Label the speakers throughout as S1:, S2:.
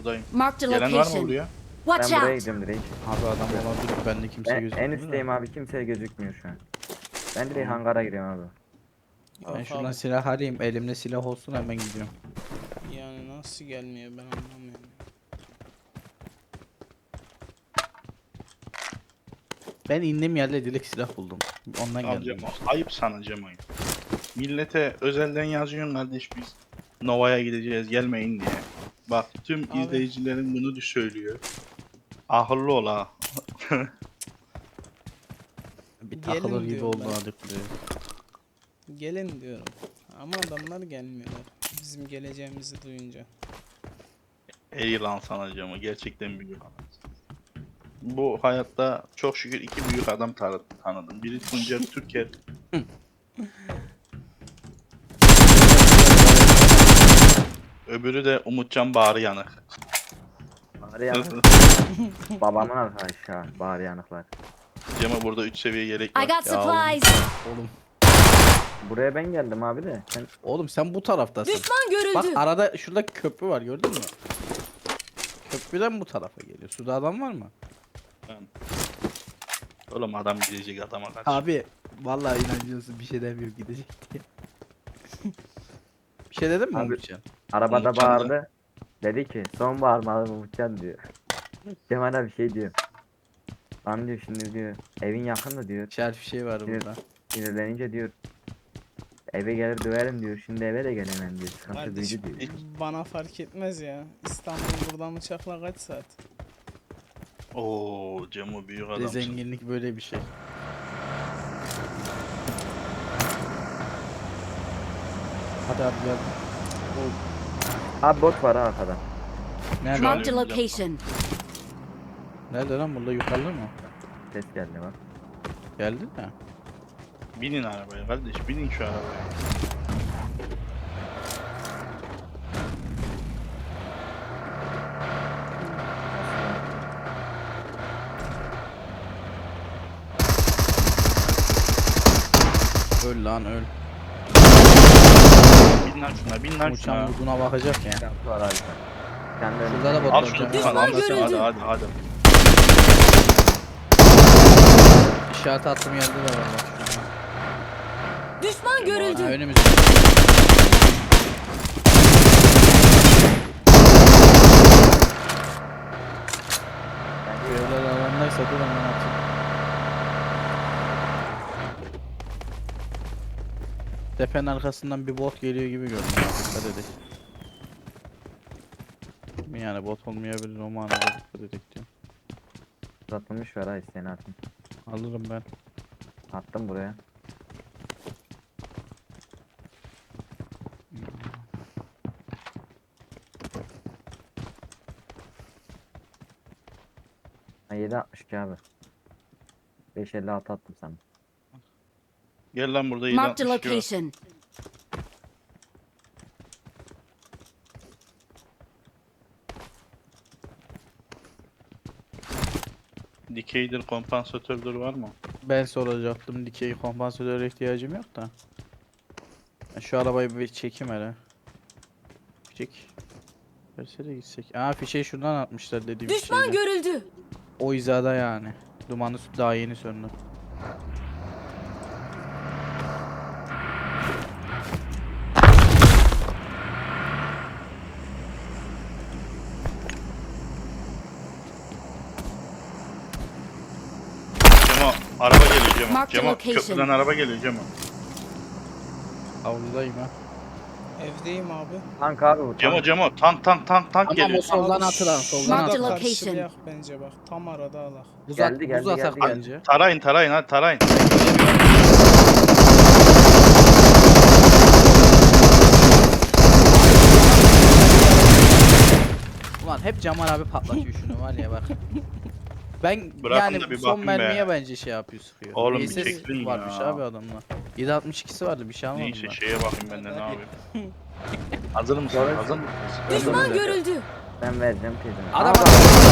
S1: buradayım.
S2: Marked a
S1: Gelen var mı
S2: location.
S1: buraya?
S2: Watch
S3: Ben buraya
S2: out!
S3: gidiyorum direkt.
S4: Abi adam olabilir. Bende kimse
S3: Ben
S4: gözükmüyor.
S3: en üstteyim abi, kimse gözükmüyor şu an. Ben direkt
S1: Tamam.
S3: hangara giriyorum abi.
S4: Ben
S5: Yok
S4: şuradan
S5: abi,
S4: silah arayayım. Elimde silah olsun hemen gidiyorum.
S5: yani nasıl gelmiyor ben anlamıyorum.
S4: Ben indiğim yerde direkt silah buldum. Ondan
S1: Abi
S4: geldim.
S1: Cemo, ayıp sana Cemo'yu. Millete özelden yazıyorsun kardeş biz Nova'ya gideceğiz gelmeyin diye. Bak tüm
S5: Abi.
S1: izleyicilerin bunu söylüyor. Ahırlı ol ha.
S4: Bir
S5: Gelin
S4: takılır gibi
S5: diyorum
S4: oldu
S5: ben.
S4: hadi buraya.
S5: Gelin diyorum. Ama adamlar gelmiyorlar. Bizim geleceğimizi duyunca.
S1: Ey lan sana Cemo, gerçekten büyük adam. Bu hayatta çok şükür iki büyük adam tanıdım. Biri Tuncer Türker. Öbürü de Umutcan Bağrı Yanık.
S3: Bari yanık. Babamın arkadaşı ha, bari yanıklar.
S1: Cemo burada 3 seviye yelek
S2: I
S1: var.
S2: got
S4: Ya
S2: supplies!
S4: Oğlum.
S3: Buraya ben geldim abi de. Sen
S4: Oğlum sen bu taraftasın.
S2: Düşman
S4: Bak
S2: görüldü!
S4: arada şurada köprü var gördün mü? Köprüden bu tarafa geliyor. Suda adam var mı?
S1: Oğlum adam gidecek adama karşı.
S4: Abi vallahi inanıyorsun bir şey demiyor gidecek diye. Bir şey dedin mi
S3: Abi-
S4: Umutcan?
S3: arabada
S1: Umutcan da-
S3: bağırdı. Dedi ki son bağırmalı Umutcan diyor. Cemal abi şey diyor. Lan diyor şimdi diyor evin yakında diyor.
S4: İşaret bir şey var
S3: Evet.
S4: burada.
S3: Sinirlenince diyor. Eve gelir döverim diyor. Şimdi eve de gelemem diyor. Sıkıntı
S5: Kardeşim
S3: büyüdü diyor.
S5: bana fark etmez ya. İstanbul buradan uçakla kaç saat?
S1: Oo Cemo büyük
S4: Bir de
S1: adamsın.
S4: zenginlik böyle bir şey. Hadi abi gel.
S3: Abi bot var ha arkada.
S4: Nerede?
S1: Şu an-
S2: Marked a location.
S4: Nerede lan burada yukarıda mı?
S3: Ses geldi bak.
S4: Geldi de.
S1: Binin arabaya kardeş, binin şu arabaya.
S4: Öl lan öl.
S1: Bin lan şuna, bin lan şuna.
S4: Uçan vurduğuna bakacak ya.
S3: Sıkıntı var abi. Kendi
S4: Şurada da bot
S1: Al
S4: var.
S1: şunu
S4: Cem.
S1: Tufan, al
S2: Düşman
S1: şunu, hadi
S2: görüldü.
S1: hadi hadi.
S4: İşaret attığım yerde de var bak şurada.
S2: Düşman
S4: Ha,
S2: görüldü!
S4: önümüzde. Evler alandaysa dur hemen atayım. Tepenin arkasından bir bot geliyor gibi gördüm. Dikkat edin. Yani bot olmayabilir o manada dikkat edin diyorum.
S3: uzatılmış var ha isteğini atın.
S4: Alırım ben.
S3: Attım buraya. Ha 7.62 abi. 5.56 attım sana.
S1: Gel lan burada
S2: Marked a
S1: 762 var.
S2: location.
S1: Dikeydir, kompansatördür var mı?
S4: Ben soracaktım dikey kompansatör ihtiyacım yok da. Ben şu arabayı bir çekeyim hele. Çek. Verse de gitsek. Aa fişeği şuradan atmışlar dediğim
S2: Düşman
S4: şeyde.
S2: görüldü!
S4: O hizada yani. Dumanı daha yeni söndü.
S1: Cemo, araba geliyor Cemo.
S2: Mark the
S1: Cemo,
S2: location.
S1: köprüden araba geliyor Cemo.
S4: Avludayım ha.
S5: Evdeyim abi.
S3: Tank abi bu
S1: Cemo,
S3: tank.
S1: Cemo, tank
S4: Ama
S1: geliyor.
S4: o soldan
S5: Abi
S4: atılan soldan
S2: Marked
S4: atılan.
S2: a location.
S5: karşılayak bence bak. Tam arada alak.
S3: Geldi, geldi,
S4: Buz atak
S3: geldi,
S4: bence.
S1: Tarayın, hadi tarayın.
S4: Ulan hep Cemal abi patlatıyor şunu var ya bak. Ben
S1: Bırakın
S4: yani
S1: da bir
S4: son
S1: bakın be.
S4: mermiye bence şey yapıyor sıkıyor.
S1: Oğlum bir
S4: VSS
S1: çekilin
S4: varmış
S1: ya.
S4: abi adamla. 7.62'si vardı bir şey almadım
S1: Neyse
S4: ben.
S1: şeye bakayım ben de ne yapayım. Hazır mısın?
S3: Doğru.
S1: Hazır mısın?
S2: Düşman görüldü!
S3: Ben vereceğim teyzeme.
S4: Adam
S3: Aa, bak.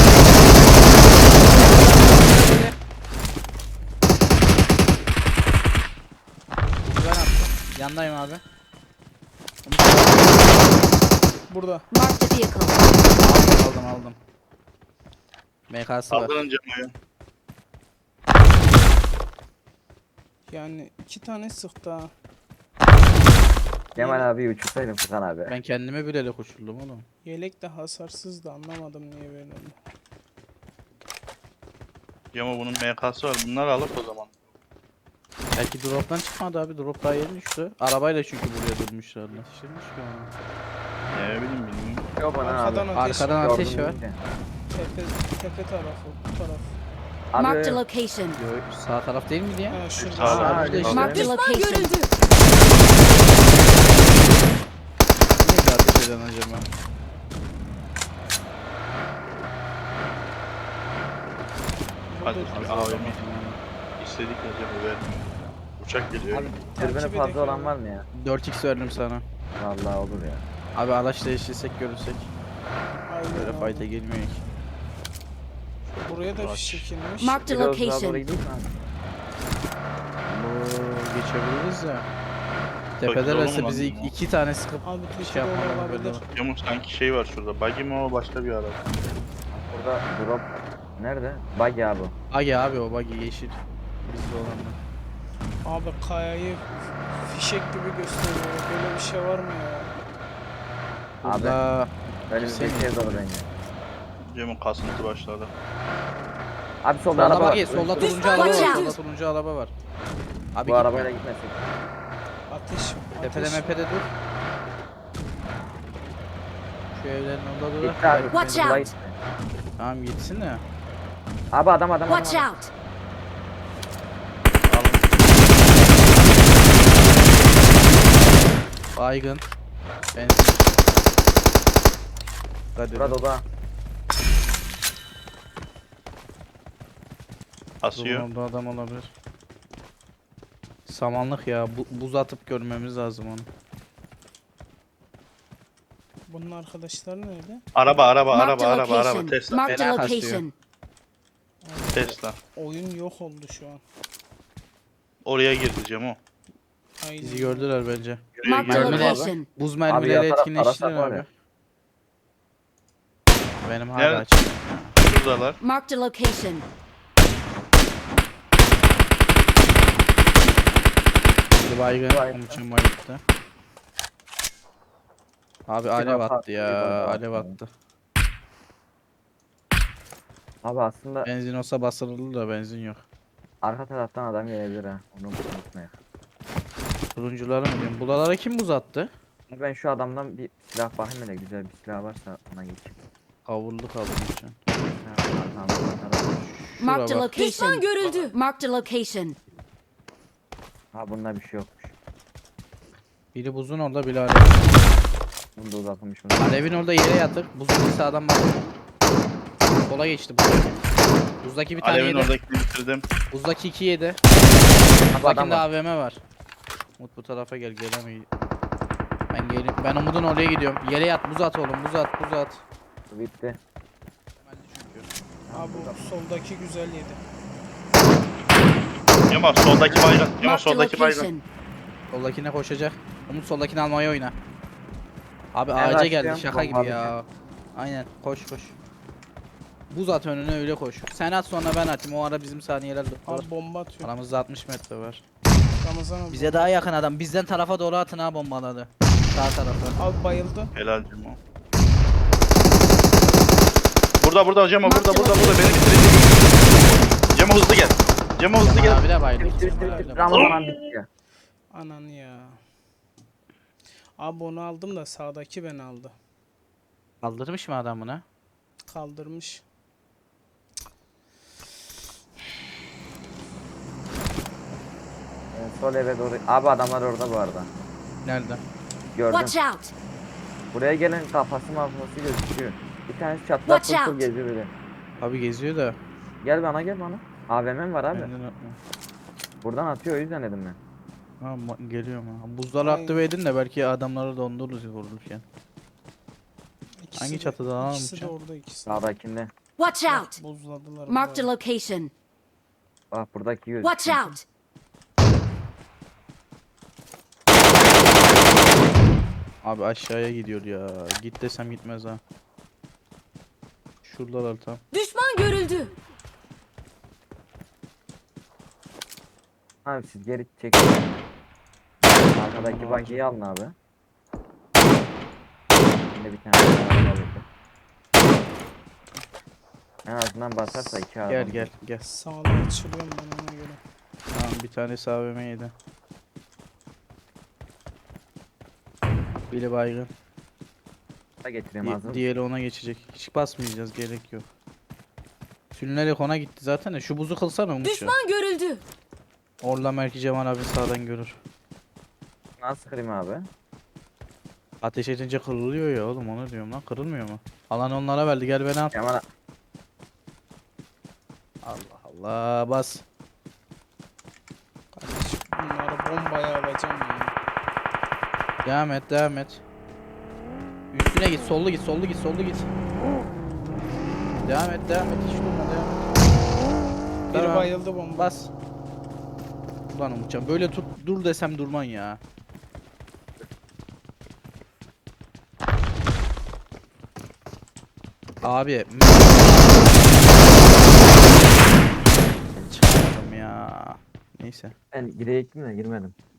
S4: Ben attım. Yandayım abi.
S5: Burada.
S2: Marked a vehicle.
S4: Aldım aldım. MK'sı var.
S1: Saldırın Cemo'ya.
S5: Yani 2 tane sıktı ha.
S3: Kemal abi uçursaydın Furkan abi.
S4: Ben kendime bilerek uçurdum oğlum.
S5: Yelek de hasarsız da anlamadım niye böyle oldu.
S1: Cemo bunun MK'sı var. Bunları alıp o zaman.
S4: Belki drop'tan çıkmadı abi. Drop daha yeni düştü. Arabayla çünkü buraya durmuşlar. Nasıl şişirmiş ki onu?
S1: Ne bileyim bilmiyorum.
S3: Yok bana
S5: Arkadan
S3: abi.
S5: ateş.
S4: Arkadan ateş
S3: Gördüm
S4: var.
S3: işte.
S5: Tepe tarafı. Bu taraf.
S2: Marked a
S3: Abi
S2: location.
S4: Yo, sağ taraf değil miydi ya?
S5: Ha şurada.
S1: Sağ ol.
S4: Abi de işte.
S2: Marked a
S4: Niye
S2: location.
S4: ateş eden acaba?
S1: Hadi
S5: Burada-
S1: bir AVM istedik ya Cemo vermiyor. Uçak geliyor.
S3: abi dürbünü
S5: Takip
S3: fazla
S5: edek
S3: olan
S5: ya.
S3: var mı ya?
S4: 4x verdim sana.
S3: Vallahi olur ya.
S4: Abi araç değiştirsek görürsek.
S5: Aynen
S4: Böyle
S5: abi.
S4: fight'e girmiyor ki.
S5: Buraya da
S1: Aç.
S5: fiş çekilmiş.
S2: Marked a
S3: Biraz daha doğru
S2: location.
S3: gideyim mi abi?
S4: Bu geçebiliriz ya.
S1: Bakın
S4: Tepedelerse
S1: oğlum
S4: bizi
S1: lan.
S4: 2 tane sıkıp
S5: Abi
S4: bir
S5: Türkiye'de
S4: şey yapmadan
S5: olabilir.
S4: böyle.
S1: Cemo sanki şey var şurada. Buggy mi o başka bir araba?
S3: Burada drop nerede? Buggy abi.
S4: Agi abi o buggy yeşil. Bizde olanlar.
S5: Abi kayayı fişek gibi gösteriyor. Böyle bir şey var mı ya?
S3: Abi
S4: Burada
S3: önümüzdeki
S4: Kimse
S3: ev dolu bence.
S1: Cemo kasıntı başladı.
S3: Abi solda
S4: solda
S3: araba var.
S4: buggy, solda turuncu
S2: Düşman
S4: araba var.
S2: watch
S4: Solda
S2: out.
S4: turuncu araba var. Abi
S3: Bu
S4: gitme.
S3: arabayla gitmesek.
S5: Ateş.
S4: Tepede
S5: Ateş.
S4: mepede dur. Şu evlerin orada dur.
S3: Gitti abi.
S2: Watch
S3: Sola
S2: out.
S3: gitti.
S4: Tamam gitsin de.
S3: Abi adam.
S2: Watch out.
S4: Baygın. Benzin. Hadi.
S3: Burada oda.
S1: Asıyor.
S4: Orada adam olabilir. Samanlık ya. Buz atıp görmemiz lazım onu.
S5: Bunun arkadaşları nerede?
S1: Araba
S2: Marked a location.
S1: Tesla.
S2: Marked a
S4: Fena kasıyor.
S2: location.
S1: Tesla.
S5: Oyun yok oldu şu an.
S1: Oraya girdi Cemo.
S5: Aynen.
S4: Bizi gördüler bence.
S1: Şuraya
S2: Marked a
S1: girdi.
S4: Mermiler.
S2: location.
S4: Buz mermileri
S3: ya,
S4: etkinleştirin
S3: arasak var
S4: abi.
S3: ya.
S4: Benim hala
S1: Nerede?
S4: açık.
S1: Şuradalar.
S2: Marked a location.
S4: Bir baygın.
S3: Baygın.
S4: Umuç'un bayılttı. Abi alev
S3: defa
S4: attı ya.
S3: bir baygın
S4: Alev
S3: attı.
S4: attı.
S3: Abi aslında
S4: Benzin olsa basılırdı da benzin yok.
S3: arka taraftan adam gelebilir ha. Onu unutmayın.
S4: Turuncuları mı diyorum? Buralara kim buz attı?
S3: Ben şu adamdan bir silah bakayım hele güzel bir silah varsa ona geçeyim.
S4: Kavurlu Umuç'un.
S3: Ha, tamam.
S2: Marked a
S4: bak.
S2: location.
S6: Düşman görüldü.
S2: Marked a location.
S3: Ha bunda bir şey yokmuş.
S4: Biri buzun orada, biri alev.
S3: Bunda uzatılmış bunu.
S4: Alevin orada yere yatık. Buzun bir sağdan bak. Sola geçti buzdaki. Buzdaki bir tane
S1: Alev'in
S4: yedi.
S1: oradakini bitirdim.
S4: Buzdaki 2 yedi.
S3: Abi adam
S4: Buzdakinde
S3: var.
S4: AVM var. Umut bu tarafa gel, gelemeyi. Ben geleyim. Ben Umut'un oraya gidiyorum. Yere yat, buz at oğlum, buz at, buz at.
S3: Bitti.
S4: Hemen çünkü.
S5: Abi bu soldaki güzel yedi.
S1: Cemo soldaki baygın. Cemo
S2: Marked a
S1: soldaki baygın.
S2: location.
S4: Soldakine koşacak. Umut soldakini almaya oyna. Abi
S3: Ben
S4: ağaca geldi,
S3: başlıyorum,
S4: şaka gibi
S3: bomba
S4: ya. Aynen, koş koş. Buz at önüne, öyle koş. Sen at, sonra ben atayım. O ara bizim saniyeler var.
S5: Abi bomba atıyor.
S4: Aramızda 60 metre var.
S5: Ramazan abi.
S4: Bize daha yakın adam. Bizden tarafa doğru atın ha bombaları. Sağ tarafa.
S5: Abi bayıldı.
S1: Helal Cemo. Burada Cemo
S2: Marked
S1: burada beni bitirecek. Cemo hızlı gel. Cemo hızlı
S4: Cemal
S1: gel.
S4: abi de bayıldı.
S3: Bitti
S4: Cemal abi
S3: bitti.
S4: de
S3: Ramazan bitti ya.
S5: Ananı ya. Abi onu aldım da sağdaki beni aldı.
S4: Kaldırmış mı adam bunu?
S5: Kaldırmış.
S3: Sol eve doğru. Abi adamlar orada bu arada.
S4: Nerede?
S3: Gördüm.
S2: Watch out.
S3: Buraya gelen kafası mafyası gözüküyor. Bir tanesi çatlak
S2: Watch
S3: kurtul
S2: out.
S3: geziyor böyle.
S4: Abi geziyor da.
S3: Gel bana. AVM'm var abi.
S4: Benden atma.
S3: Buradan atıyor o yüzden dedim ben.
S4: Ha geliyorum ha. Buzları
S5: Aynen.
S4: aktive edin de belki adamları dondururuz vururken.
S5: İkisi
S4: Hangi
S5: de-
S4: çatıda lan
S5: İkisi de
S4: Umutcan?
S5: orada ikisi. de.
S3: Sağdakinde.
S2: Watch
S5: Bak,
S2: out.
S5: Buzladılar.
S2: Marked a
S5: burayı.
S2: location.
S3: Bak buradaki gözüküyor.
S2: Watch out.
S4: Abi aşağıya gidiyor ya. Git desem gitmez ha. Şuradalar tam.
S2: Düşman görüldü.
S3: Abi siz geri çekin. Arkadaki bagiyi alın abi. Şimdi bir tane daha alalım. En azından basarsa iki adam.
S4: Gel gel gel.
S5: Sağdan açılıyorum ben ona göre.
S4: Tamam bir tanesi AVM yedi. Biri baygın.
S3: Da getireyim hazır.
S4: Diğeri ona geçecek. Hiç basmayacağız, gerek yok. Sülünerek ona gitti zaten de şu buzu kılsana Umut'u.
S2: Düşman görüldü.
S4: Orla Merki Cemal abi sağdan görür.
S3: Nasıl kırayım abi?
S4: Ateş edince kırılıyor ya oğlum, onu diyorum lan, kırılmıyor mu? Alan onlara verdi, gel beni al.
S3: Kemal
S4: Allah Allah bas.
S5: Kardeşim bunları bombaya alacağım ya.
S4: Devam et devam et. Üstüne git, sollu git, sollu git, sollu git. Devam et devam et, hiç durma, devam et.
S5: Biri
S4: Tamam.
S5: bayıldı bomba.
S4: Bas. Ulan Umutcan böyle tut, dur desem durman ya. Abi çıkamadım ya. Neyse.
S3: ben girecektim de girmedim.